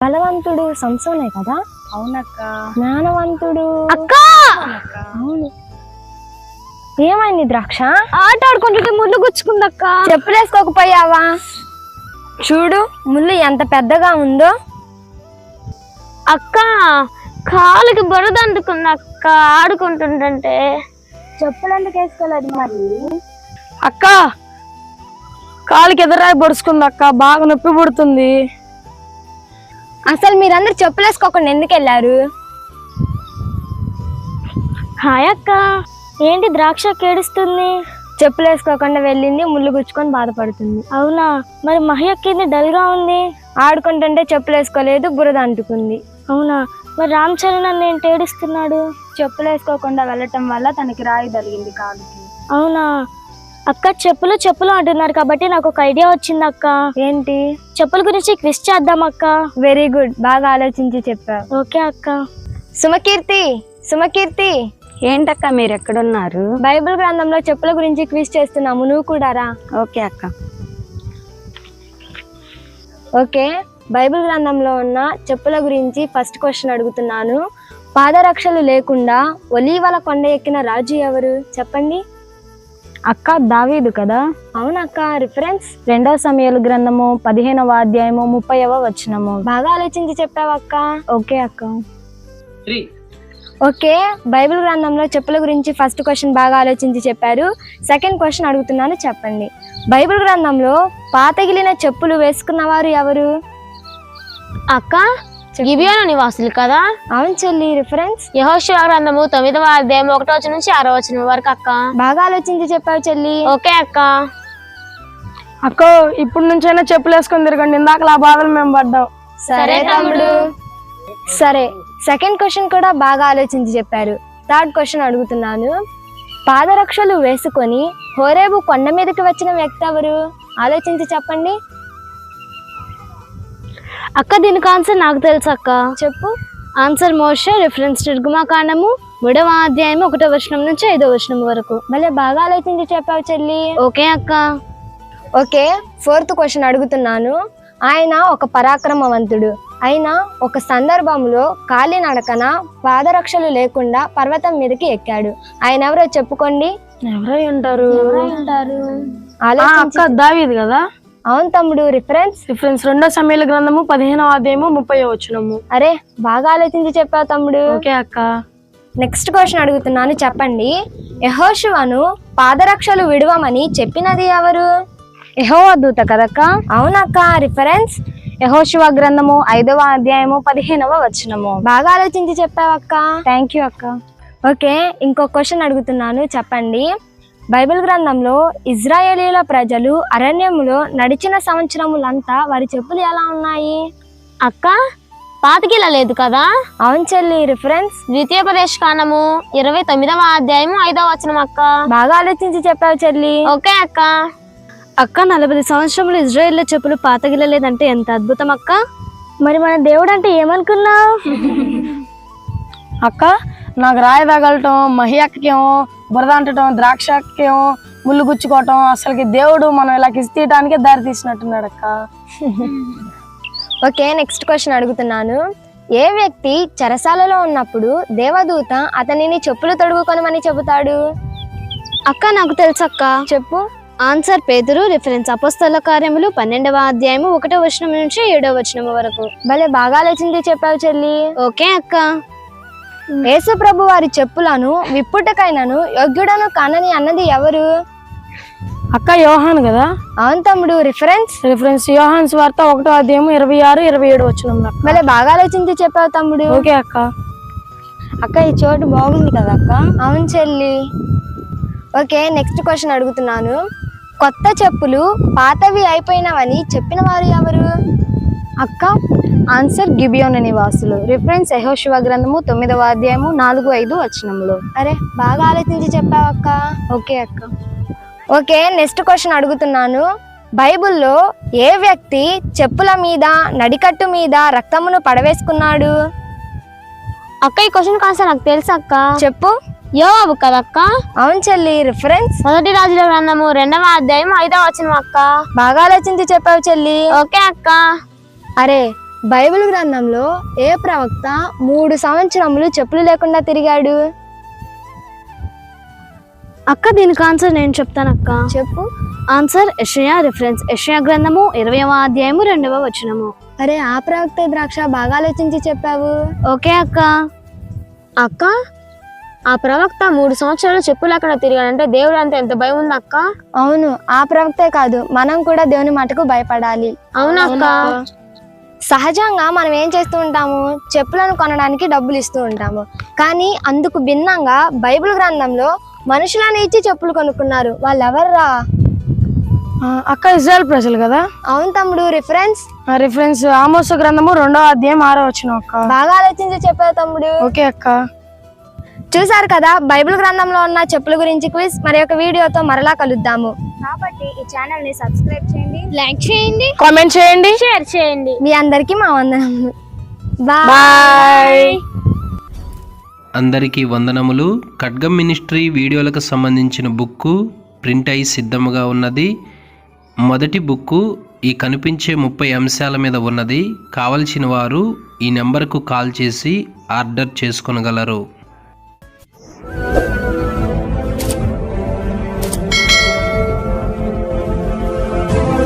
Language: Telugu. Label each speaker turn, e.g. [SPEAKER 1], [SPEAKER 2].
[SPEAKER 1] బలవంతుడు సంసోనే కదా?
[SPEAKER 2] అవునక్క.
[SPEAKER 1] జ్ఞానవంతుడు
[SPEAKER 3] అక్క.
[SPEAKER 1] అవును. ఏమైంది ద్రాక్ష?
[SPEAKER 3] ఆట ఆడుకుంటుంటే ముళ్ళు గుచ్చుకుందక్క.
[SPEAKER 1] చెప్పులేసుకోకపోయావా? చూడు ముళ్ళు ఎంత పెద్దగా ఉందో.
[SPEAKER 3] అక్క కాలుకి బురద అంటుకుంది అక్క ఆడుకుంటుంటే.
[SPEAKER 1] చెప్పులు ఎందుకు వేసుకోలేదు మరి?
[SPEAKER 2] అక్క కాలుకి ఎదురాయి పొడుచుకుంది అక్క, బాగా నొప్పి పుడుతుంది.
[SPEAKER 1] అసలు మీరందరూ చెప్పులేసుకోకుండా ఎందుకు వెళ్ళారు?
[SPEAKER 3] హాయ్ అక్క. ఏంటి ద్రాక్ష కేడుస్తుంది?
[SPEAKER 1] చెప్పులేసుకోకుండా వెళ్ళింది, ముళ్ళు గుచ్చుకొని బాధపడుతుంది.
[SPEAKER 3] అవునా? మరి మహి అక్కింది డల్ గా ఉంది.
[SPEAKER 1] ఆడుకుంటుంటే చెప్పులేసుకోలేదు, బురద అంటుకుంది.
[SPEAKER 3] అవునా? మరి రామ్ చరణ్ అన్న ఏంటి ఏడుస్తున్నాడు?
[SPEAKER 2] చెప్పులేసుకోకుండా వెళ్ళటం వల్ల తనకి రాయి తగిలింది కాలుకి.
[SPEAKER 3] అవునా? అక్క చెప్పులు అంటున్నారు కాబట్టి నాకు ఒక ఐడియా వచ్చింది అక్క.
[SPEAKER 1] ఏంటి?
[SPEAKER 3] చెప్పుల గురించి క్విజ్ చేద్దాం అక్క.
[SPEAKER 1] వెరీ గుడ్, బాగా ఆలోచించి చెప్పావు.
[SPEAKER 3] ఓకే అక్క.
[SPEAKER 1] సుమకీర్తి
[SPEAKER 2] ఏంటక్క మీరు ఎక్కడున్నారు?
[SPEAKER 1] బైబిల్ గ్రంథంలో చెప్పుల గురించి క్విజ్ చేస్తున్నాము, నువ్వు కూడా రా.
[SPEAKER 2] ఓకే అక్క.
[SPEAKER 1] ఓకే, బైబిల్ గ్రంథంలో ఉన్న చెప్పుల గురించి ఫస్ట్ క్వశ్చన్ అడుగుతున్నాను. పాదరక్షలు లేకుండా ఒలీవల కొండ ఎక్కిన రాజు ఎవరు? చెప్పండి.
[SPEAKER 2] అక్క దావీదు కదా?
[SPEAKER 1] అవునక్క. రిఫరెన్స్
[SPEAKER 2] 2 సమూయేలు గ్రంథము 15వ అధ్యాయము 30వ వచనము.
[SPEAKER 1] బాగా ఆలోచించి చెప్పావక్క.
[SPEAKER 2] ఓకే అక్క.
[SPEAKER 1] ఓకే, బైబిల్ గ్రంథంలో చెప్పుల గురించి ఫస్ట్ క్వశ్చన్ బాగా ఆలోచించి చెప్పారు. సెకండ్ క్వశ్చన్ అడుగుతున్నాను, చెప్పండి. బైబిల్ గ్రంథంలో పాతగిలిన చెప్పులు వేసుకున్నవారు ఎవరు?
[SPEAKER 3] అక్క గిబియోను నివాసులు కదా?
[SPEAKER 1] అవును చెల్లి. రిఫరెన్స్
[SPEAKER 3] యెహోషువ గ్రంథము 9వ అధ్యాయం 1వ వచనం నుంచి 6వ వచనం వరకు అక్క.
[SPEAKER 1] బాగా ఆలోచించి చెప్పావు చెల్లి.
[SPEAKER 3] ఓకే అక్క.
[SPEAKER 2] అక్క ఇప్పుడు నుంచైనా చెప్పులు వేసుకొని తిరగండి, ఇందాక ఆ బాధలు మేము పడ్డాం.
[SPEAKER 1] సరే తమ్ముడు. సరే, సెకండ్ క్వశ్చన్ కూడా బాగా ఆలోచించి చెప్పారు. థర్డ్ క్వశ్చన్ అడుగుతున్నాను. పాదరక్షలు వేసుకొని హోరేబు కొండ మీదకి వచ్చిన వ్యక్తి ఎవరు? ఆలోచించి చెప్పండి.
[SPEAKER 3] అక్క దీనికి ఆన్సర్ నాకు తెలుసు అక్క.
[SPEAKER 1] చెప్పు.
[SPEAKER 3] ఆన్సర్ మోషే. రిఫరెన్స్ నిర్గమకాండము 3వ అధ్యాయం 1వ వచనం నుంచి 5వ వచనం వరకు.
[SPEAKER 1] భలే బాగా ఆలోచించి చెప్పావు చెల్లి.
[SPEAKER 3] ఓకే అక్క.
[SPEAKER 1] ఓకే, ఫోర్త్ క్వశ్చన్ అడుగుతున్నాను. ఆయన ఒక పరాక్రమవంతుడు అయినా ఒక సందర్భంలో కాలినడకన పాదరక్షలు లేకుండా పర్వతం మీదకి ఎక్కాడు. ఆయన ఎవరో చెప్పుకోండి.
[SPEAKER 2] ఎవరై ఉంటారు?
[SPEAKER 1] ఆలోచించి.
[SPEAKER 2] దావీదు కదా?
[SPEAKER 1] అవును తమ్ముడు. రిఫరెన్స్
[SPEAKER 2] 2 సమూయేలు గ్రంథము 15వ అధ్యాయము 30వ వచనము.
[SPEAKER 1] అరే బాగా ఆలోచించి చెప్పావు తమ్ముడు.
[SPEAKER 2] ఓకే అక్క.
[SPEAKER 1] నెక్స్ట్ క్వశ్చన్ అడుగుతున్నాను, చెప్పండి. యెహోషువను పాదరక్షలు విడవమని చెప్పినది ఎవరు?
[SPEAKER 2] యెహోవా దూత కదక్క?
[SPEAKER 1] అవునక్క. రిఫరెన్స్
[SPEAKER 2] యెహోషువ గ్రంథము 5వ అధ్యాయము 15వ వచనము.
[SPEAKER 1] బాగా ఆలోచించి చెప్పావక్క.
[SPEAKER 2] థ్యాంక్ యూ అక్క.
[SPEAKER 1] ఓకే, ఇంకో క్వశ్చన్ అడుగుతున్నాను, చెప్పండి. బైబిల్ గ్రంథంలో ఇజ్రాయేలీల ప్రజలు అరణ్యములో నడిచిన సంవత్సరములంతా వారి చెప్పులు ఎలా ఉన్నాయి?
[SPEAKER 3] అక్క పాతగిల లేదు కదా?
[SPEAKER 1] అవును చెల్లి. రిఫరెన్స్
[SPEAKER 3] ద్వితీయోపదేశకాండము 29వ అధ్యాయం 5వ వచనం అక్క.
[SPEAKER 1] బాగా ఆలోచించి చెప్పావు చెల్లి.
[SPEAKER 3] ఓకే అక్క.
[SPEAKER 2] అక్క 40 సంవత్సరములు ఇజ్రాయేల్ చెప్పులు పాతగిలలేదంటే ఎంత అద్భుతం అక్క.
[SPEAKER 3] మరి మన దేవుడు అంటే ఏమనుకున్నావు?
[SPEAKER 2] అక్క నాకు రాయి తగలటం, మహి అక్కకేమో బురద అంటటం, ద్రాక్ష అక్కకేమో ముళ్ళు గుచ్చుకోవటం, అసలుకి దేవుడు మనం ఇలా కిసి తీయటానికే దారి తీసినట్టున్నాడు అక్క.
[SPEAKER 1] ఓకే, నెక్స్ట్ క్వశ్చన్ అడుగుతున్నాను. ఏ వ్యక్తి చెరసాలలో ఉన్నప్పుడు దేవదూత అతనిని చెప్పులు తొడుగుకొనమని చెబుతాడు?
[SPEAKER 3] అక్క నాకు తెలుసు అక్క.
[SPEAKER 1] చెప్పు.
[SPEAKER 3] ఆన్సర్ పేతురు. రిఫరెన్స్ అపోస్తల కార్యములు 12వ అధ్యాయము 1వ వచనం నుంచి 7వ వచనం వరకు.
[SPEAKER 1] భలే బాగా ఆలోచించి చెప్పావు చెల్లి.
[SPEAKER 3] ఓకే అక్క.
[SPEAKER 1] యేసు ప్రభు వారి చెప్పులను విప్పుటకైనను యోగ్యుడను కానని అన్నది ఎవరు?
[SPEAKER 2] అక్క యోహాను కదా?
[SPEAKER 1] అవును తమ్ముడు. రిఫరెన్స్
[SPEAKER 2] యోహాను సువార్త 1వ అధ్యాయము 26, 27 వచనం.
[SPEAKER 1] భలే బాగా ఆలోచించి చెప్పావు తమ్ముడు.
[SPEAKER 2] ఓకే అక్క.
[SPEAKER 1] అక్క ఈ చోటు బాగుంది కదా అక్క? అవును చెల్లి. ఓకే, నెక్స్ట్ క్వశ్చన్ అడుగుతున్నాను. కొత్త చెప్పులు పాతవి అయిపోయినవని చెప్పిన వారు ఎవరు?
[SPEAKER 2] అక్క ఆన్సర్ గిబియోను నివాసులు. రిఫరెన్స్ యెహోషువ గ్రంథము 9వ అధ్యాయము 4, 5 వచనములు.
[SPEAKER 1] అరే బాగా ఆలోచించి చెప్పావక్క.
[SPEAKER 2] ఓకే అక్క.
[SPEAKER 1] ఓకే, నెక్స్ట్ క్వశ్చన్ అడుగుతున్నాను. బైబిల్లో ఏ వ్యక్తి చెప్పుల మీద నడికట్టు మీద రక్తమును పడవేసుకున్నాడు?
[SPEAKER 3] అక్క ఈ క్వశ్చన్ ఆన్సర్ నాకు తెలుసు అక్క.
[SPEAKER 1] చెప్పు.
[SPEAKER 3] యోవాబు కదక్క?
[SPEAKER 1] అవును చెల్లి. రిఫరెన్స్
[SPEAKER 3] 1 రాజుల గ్రంథము 2వ అధ్యాయం 5వ వచనం అక్క.
[SPEAKER 1] బాగా ఆలోచించి చెప్పావు చెల్లి.
[SPEAKER 3] ఓకే అక్క.
[SPEAKER 1] అరే బైబిల్ గ్రంథంలో ఏ ప్రవక్త 3 సంవత్సరములు చెప్పులు లేకుండా తిరిగాడు?
[SPEAKER 3] అక్క దీనికి ఆన్సర్ నేను చెప్తాను అక్క.
[SPEAKER 1] చెప్పు.
[SPEAKER 3] ఆన్సర్ యెషయా. రిఫరెన్స్ యెషయా గ్రంథము 20వ అధ్యాయము 2వ వచనము.
[SPEAKER 1] అరే ఆ ప్రవక్త ద్రాక్ష, బాగా ఆలోచించి చెప్పావు.
[SPEAKER 3] ఓకే అక్క.
[SPEAKER 4] అక్క ఆ ప్రవక్త 3 సంవత్సరాలు చెప్పు లేకుండా తిరిగాడంటే దేవుడు అంటే ఎంత భయం ఉంది అక్క.
[SPEAKER 1] అవును, ఆ ప్రవక్తే కాదు, మనం కూడా దేవుని మాటకు భయపడాలి.
[SPEAKER 4] అవునా అక్క?
[SPEAKER 1] సహజంగా మనం ఏం చేస్తూ ఉంటాము, చెప్పులను కొనడానికి డబ్బులు ఇస్తూ ఉంటాము. కానీ అందుకు భిన్నంగా బైబిల్ గ్రంథంలో మనుషులను ఇచ్చి చెప్పులు కొనుక్కున్నారు. వాళ్ళు ఎవర్రా?
[SPEAKER 2] అక్క ఇజ్రాయెల్ ప్రజలు కదా.
[SPEAKER 1] అవును తమ్ముడు. రిఫరెన్స్
[SPEAKER 2] రిఫరెన్స్ ఆమోసు గ్రంథము 2వ అధ్యాయం 6వ వచనం అక్క.
[SPEAKER 1] బాగా ఆలోచించి చెప్పావు తమ్ముడు.
[SPEAKER 2] ఓకే అక్క.
[SPEAKER 1] చూసారు కదా బైబిల్ గ్రంథంలో ఉన్న చెప్పుల గురించి క్విజ్. మరి ఒక వీడియోతో మరలా కలుద్దాము. కాబట్టి ఈ ఛానల్ ని సబ్స్క్రైబ్ చేయండి,
[SPEAKER 3] లైక్ చేయండి,
[SPEAKER 2] కామెంట్ చేయండి,
[SPEAKER 4] షేర్ చేయండి.
[SPEAKER 1] మీ అందరికీ మా వందనములు.
[SPEAKER 2] బాయ్.
[SPEAKER 5] అందరికీ వందనములు. ఖడ్గం మినిస్ట్రీ వీడియోలకు సంబంధించిన బుక్కు ప్రింట్ అయి సిద్ధముగా ఉన్నది. మొదటి బుక్కు ఈ కనిపించే 30 అంశాల మీద ఉన్నది. కావలసిన వారు ఈ నెంబర్కు కాల్ చేసి ఆర్డర్ చేసుకొనగలరు.